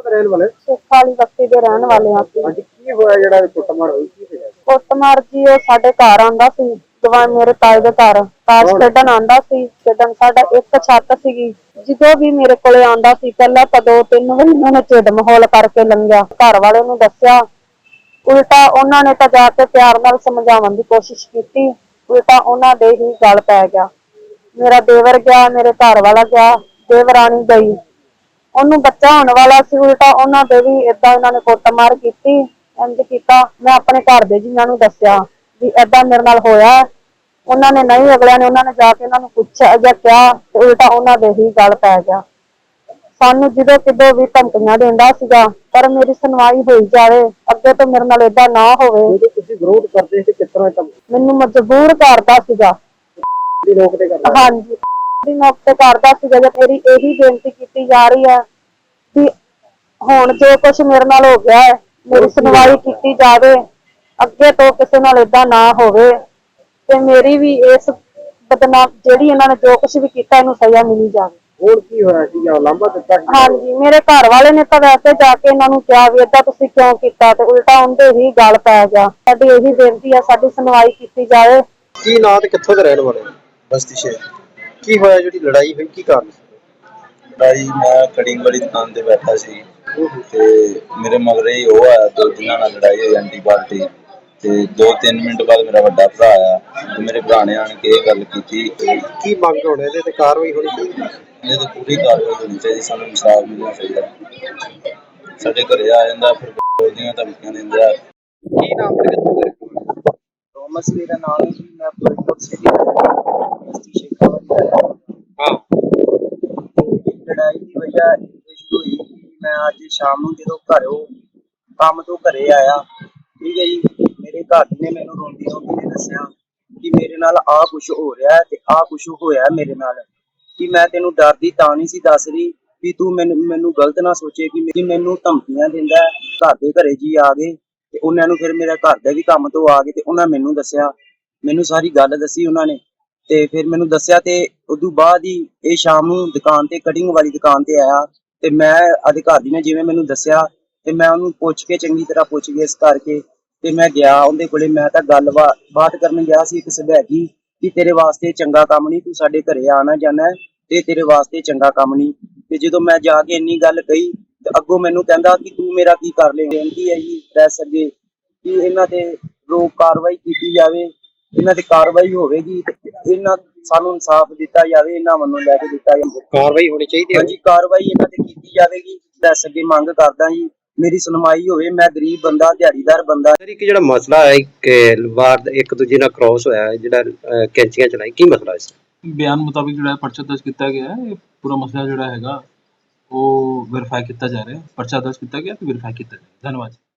ਦੇ ਰਹਿਣ ਵਾਲੇ? ਸਿੱਖ ਵਾਲੀ ਬਸਤੀ ਦੇ ਰਹਿਣ ਵਾਲੇ ਆ ਅਸੀਂ। ਹਾਂਜੀ, ਕੀ ਹੋਇਆ ਜਿਹੜਾ ਕੁੱਟਮਾਰ ਹੋਈ, ਕੀ ਹੋਇਆ? ਕੁੱਟਮਾਰ ਜੀ ਉਹ ਸਾਡੇ ਘਰ ਆਂਦਾ ਸੀ, ਜਵਾਨ ਮੇਰੇ ਤਾਏ ਦੇ ਘਰ ਤਾਸ਼ ਖੇਡਣ ਆਂਦਾ ਸੀ। ਖੇਡਣ ਸਾਡਾ ਇੱਕ ਛੱਤ ਸੀਗੀ। ਜਦੋਂ ਵੀ ਮੇਰੇ ਕੋਲੇ ਆਂਦਾ ਸੀ ਪਹਿਲਾਂ ਤਾਂ 2-3 ਵਾਰੀ ਉਹਨਾਂ ਨੇ ਢਿੱਡ ਮਹੌਲ ਕਰਕੇ ਲੰਘਿਆ। ਘਰ ਵਾਲੇ ਨੂੰ ਦੱਸਿਆ, ਉਲਟਾ ਉਹਨਾਂ ਨੇ ਤਾਂ ਜਾ ਕੇ ਪਿਆਰ ਨਾਲ ਸਮਝਾਉਣ ਦੀ ਕੋਸ਼ਿਸ਼ ਕੀਤੀ, ਉਲਟਾ ਉਹਨਾਂ ਦੇ ਹੀ ਗਲ ਪੈ ਗਿਆ। ਮੇਰਾ ਦੇਵਰ ਗਿਆ, ਮੇਰੇ ਘਰ ਵਾਲਾ ਗਿਆ, ਦੇਵਰਾਣੀ ਗਈ। ਉਹਨੂੰ ਬੱਚਾ ਹੋਣ ਵਾਲਾ ਸੀ, ਉਲਟਾ ਉਹਨਾਂ ਦੇ ਵੀ ਏਦਾਂ ਇਹਨਾਂ ਨੇ ਕੁੱਟਮਾਰ ਕੀਤੀ। ਇੰਝ ਕੀਤਾ, ਮੈਂ ਆਪਣੇ ਘਰ ਦੇ ਜੀਆਂ ਨੂੰ ਦੱਸਿਆ ਵੀ ਏਦਾਂ ਮੇਰੇ ਨਾਲ ਹੋਇਆ। ਉਹਨਾਂ ਨੇ ਨਹੀਂ, ਅਗਲਿਆਂ ਨੇ ਉਹਨਾਂ ਨੇ ਜਾ ਕੇ ਉਹਨਾਂ ਨੂੰ ਪੁੱਛਿਆ ਜਾਂ ਕਿਹਾ ਤੇ ਉਲਟਾ ਉਹਨਾਂ ਦੇ ਹੀ ਗਲ ਪੈ ਗਿਆ। ਸਾਨੂੰ ਜਦੋਂ ਕਿਦੋਂ ਵੀ ਧਮਕੀਆਂ ਦਿੰਦਾ ਸੀਗਾ, ਪਰ ਮੇਰੀ ਸੁਣਵਾਈ ਹੋਈ ਜਾਵੇ, ਅੱਗੇ ਤੋਂ ਮੇਰੇ ਨਾਲ ਏਦਾਂ ਨਾ ਹੋਵੇ। ਜਦੋਂ ਤੁਸੀਂ ਵਿਰੋਧ ਕਰਦੇ ਸੀ ਕਿਸ ਤਰ੍ਹਾਂ ਮੈਨੂੰ ਮਜਬੂਰ ਕਰਦਾ ਸੀਗਾ। ਰੋਕ ਤੇ ਕਰਦੇ? ਹਾਂਜੀ, ਦੀ ਨੋਕ ਤੇ ਕਰਦਾ ਸੀਗਾ। ਜੇ ਮੇਰੀ ਇਹੀ ਬੇਨਤੀ ਕੀਤੀ ਜਾ ਰਹੀ ਹੈ ਕਿ ਹੁਣ ਜੋ ਕੁਛ ਮੇਰੇ ਨਾਲ ਹੋ ਗਿਆ ਹੈ, ਮੇਰੀ ਸੁਣਵਾਈ ਕੀਤੀ ਜਾਵੇ, ਅੱਗੇ ਤੋਂ ਕਿਸੇ ਨਾਲ ਏਦਾਂ ਨਾ ਹੋਵੇ ਤੇ ਮੇਰੀ ਵੀ ਇਸ ਬਦਨਾਮ ਜਿਹੜੀ ਇਹਨਾਂ ਨੇ ਜੋ ਕੁਛ ਵੀ ਕੀਤਾ ਇਹਨੂੰ ਸਜ਼ਾ ਮਿਲੀ ਜਾਵੇ। ਹੋਰ ਕੀ ਹੋਇਆ ਸੀ? ਜਾਂ ਲਾਂਭਾ ਦਿੱਤਾ ਸੀ? ਹਾਂਜੀ, ਮੇਰੇ ਘਰ ਵਾਲੇ ਨੇ ਤਾਂ ਵੈਸੇ ਜਾ ਕੇ ਇਹਨਾਂ ਨੂੰ ਕਿਹਾ ਵੀ ਏਦਾਂ ਤੁਸੀਂ ਕਿਉਂ ਕੀਤਾ, ਤੇ ਉਲਟਾ ਉਹਦੇ ਹੀ ਗਲ ਪੈ ਗਿਆ। ਸਾਡੀ ਇਹੀ ਬੇਨਤੀ ਹੈ, ਸਾਡੀ ਸੁਣਵਾਈ ਕੀਤੀ ਜਾਵੇ। ਕੀ ਨਾਂ ਤੇ ਕਿੱਥੋਂ ਦੇ ਰਹਿਣ ਵਾਲੇ? ਬਸਤੀ ਸ਼ੇਰ। ਕੀ ਹੋਇਆ ਜਿਹੜੀ ਲੜਾਈ ਹੋਈ, ਕੀ ਕਾਰਨ ਸੀ? ਲੜਾਈ, ਮੈਂ ਕਟਿੰਗ ਵਾਲੀ ਦੁਕਾਨ ਤੇ ਬੈਠਾ ਸੀ ਤੇ ਮੇਰੇ ਮਗਰੇ ਹੀ ਉਹ ਆਇਆ ਤੇ ਜਿਨ੍ਹਾਂ ਨਾਲ ਲੜਾਈ ਹੋਈ ਐਂਟੀ ਪਾਰਟੀ। ਤੇ 2-3 ਮਿੰਟ ਬਾਅਦ ਮੇਰਾ ਵੱਡਾ ਭਰਾ ਆਇਆ ਤੇ ਮੇਰੇ ਭਰਾ ਨੇ ਆਣ ਕੇ ਇਹ ਗੱਲ ਕੀਤੀ। ਕੀ ਮੰਗ ਹੋਣੇ ਇਹਦੇ ਤੇ ਕਾਰਵਾਈ ਹੋਣੀ ਚਾਹੀਦੀ? ਇਹ ਤਾਂ ਪੂਰੀ ਕਾਰਵਾਈ ਹੋਣੀ ਚਾਹੀਦੀ, ਸਾਨੂੰ ਇਨਸਾਫ ਮਿਲਣਾ ਚਾਹੀਦਾ। ਸਾਡੇ ਘਰੇ ਆ ਜਾਂਦਾ, ਫਿਰ ਬੋਲਦੀਆਂ ਧਮਕੀਆਂ ਦਿੰਦਾ। ਕੀ ਨਾਮ ਤੇ ਕਿੱਥੋਂ ਦੇ? ਥੋਮਸ ਮੇਰਾ ਨਾਮ ਹੈ ਜੀ। ਮੈਂ ਫਰੀਦਕੋਟ ਸਿਟੀ ਬਸਤੀ ਸ਼ੇਖਾ ਵਾਲੀ ਦਾ ਹਾਂ। ਲੜਾਈ ਦੀ ਵਜ੍ਹਾ ਇਹ ਸ਼ੁਰੂ ਹੋਈ ਕਿ ਮੈਂ ਅੱਜ ਸ਼ਾਮ ਨੂੰ ਜਦੋਂ ਘਰੋਂ ਕੰਮ ਤੋਂ ਘਰੇ ਆਇਆ, ਠੀਕ ਹੈ ਜੀ, ਮੇਰੇ ਘਰ ਨੇ ਮੈਨੂੰ ਰੋਂਦੀ ਰੋਂਦੀ ਨੇ ਦੱਸਿਆ ਕਿ ਮੇਰੇ ਨਾਲ ਆਹ ਕੁਛ ਹੋ ਰਿਹਾ ਹੈ ਤੇ ਆਹ ਕੁਛ ਹੋਇਆ ਮੇਰੇ ਨਾਲ। ਕਿ ਮੈਂ ਤੈਨੂੰ ਡਰਦੀ ਤਾਂ ਨਹੀਂ ਸੀ ਦੱਸ ਰਹੀ ਵੀ ਤੂੰ ਮੈਨੂੰ ਗਲਤ ਨਾ ਸੋਚੇ ਕਿ ਮੈਨੂੰ ਧਮਕੀਆਂ ਦਿੰਦਾ। ਘਰ ਦੇ ਘਰੇ ਜੀ ਆ ਗਏ ਤੇ ਉਹਨਾਂ ਨੂੰ ਫਿਰ ਮੇਰੇ ਘਰ ਦੇ ਵੀ ਕੰਮ ਤੋਂ ਆ ਗਏ ਤੇ ਉਹਨਾਂ ਮੈਨੂੰ ਦੱਸਿਆ, ਮੈਨੂੰ ਸਾਰੀ ਗੱਲ ਦੱਸੀ ਉਹਨਾਂ ਨੇ। ਤੇ ਫਿਰ ਮੈਨੂੰ ਦੱਸਿਆ ਤੇ ਉਦੋਂ ਬਾਅਦ ਹੀ ਇਹ ਸ਼ਾਮ ਨੂੰ ਦੁਕਾਨ ਤੇ ਕਟਿੰਗ ਵਾਲੀ ਦੁਕਾਨ ਤੇ ਆਇਆ ਤੇ ਮੈਂ ਅਧਿਕਾਰੀ ਨੇ ਜਿਵੇਂ ਮੈਨੂੰ ਦੱਸਿਆ ਤੇ ਮੈਂ ਉਹਨੂੰ ਪੁੱਛ ਕੇ ਚੰਗੀ ਤਰ੍ਹਾਂ ਪੁੱਛ ਗਿੱਛ ਕਰਕੇ ਤੇ ਮੈਂ ਗਿਆ ਉਹਦੇ ਕੋਲੇ। ਮੈਂ ਤਾਂ ਬਾਤ ਕਰਨ ਗਿਆ ਸੀ ਇੱਕ ਸਬੈਗੀ ਕਿ ਤੇਰੇ ਵਾਸਤੇ ਚੰਗਾ ਕੰਮ ਨਹੀਂ, ਤੂੰ ਸਾਡੇ ਘਰੇ ਆਣਾ ਜਾਣਾ ਤੇ ਤੇਰੇ ਵਾਸਤੇ ਚੰਗਾ ਕੰਮ ਨਹੀਂ। ਤੇ ਜਦੋਂ ਮੈਂ ਜਾ ਕੇ ਇੰਨੀ ਗੱਲ ਕਹੀ ਤੇ ਅੱਗੋਂ ਮੈਨੂੰ ਕਹਿੰਦਾ ਕਿ ਤੂੰ ਮੇਰਾ ਕੀ ਕਰ ਲੇਂਗਾ। ਬੇਨਤੀ ਹੈ ਜੀ ਪ੍ਰੈਸ ਅੱਗੇ ਕਿ ਇਹਨਾਂ ਤੇ ਰੋਕ ਕਾਰਵਾਈ ਕੀਤੀ ਜਾਵੇ, ਇਹਨਾਂ ਤੇ ਕਾਰਵਾਈ ਹੋਵੇਗੀ ਤੇ ਇਹਨਾਂ ਸਾਨੂੰ ਇਨਸਾਫ ਦਿੱਤਾ ਜਾਵੇ, ਇਹਨਾਂ ਵੱਲੋਂ ਲੈ ਕੇ ਦਿੱਤਾ ਜਾਵੇ। ਕਾਰਵਾਈ ਹੋਣੀ ਚਾਹੀਦੀ ਹੈ। ਹਾਂਜੀ, ਕਾਰਵਾਈ ਇਹਨਾਂ ਤੇ ਕੀਤੀ ਜਾਵੇਗੀ। ਪ੍ਰੈਸ ਅੱਗੇ ਮੰਗ ਕਰਦਾ ਜੀ ਮੇਰੀ ਸੁਣਵਾਈ ਹੋਵੇ। ਮੈਂ ਗਰੀਬ ਬੰਦਾ, ਦਿਹਾੜੀਦਾਰ ਬੰਦਾ। ਸਰ, ਇੱਕ ਜਿਹੜਾ ਮਸਲਾ ਹੈ ਕਿ ਵਾਰ ਇੱਕ ਦੂਜੇ ਨਾਲ ਕ੍ਰੋਸ ਹੋਇਆ, ਜਿਹੜਾ ਕੈਂਚੀਆਂ ਚਲਾਈ, ਕੀ ਮਸਲਾ ਹੈ? ਬਿਆਨ ਮੁਤਾਬਿਕ ਜਿਹੜਾ ਪਰਚਾ ਦਰਜ ਕੀਤਾ ਗਿਆ ਹੈ। ਇਹ ਪੂਰਾ ਮਸਲਾ ਜਿਹੜਾ ਹੈਗਾ ਉਹ ਵੈਰੀਫਾਈ ਕੀਤਾ ਜਾ ਰਿਹਾ ਹੈ। ਪਰਚਾ ਦਰਜ ਕੀਤਾ ਗਿਆ ਤੇ ਵੈਰੀਫਾਈ ਕੀਤਾ ਜਾ ਰਿਹਾ। ਧੰਨਵਾਦ।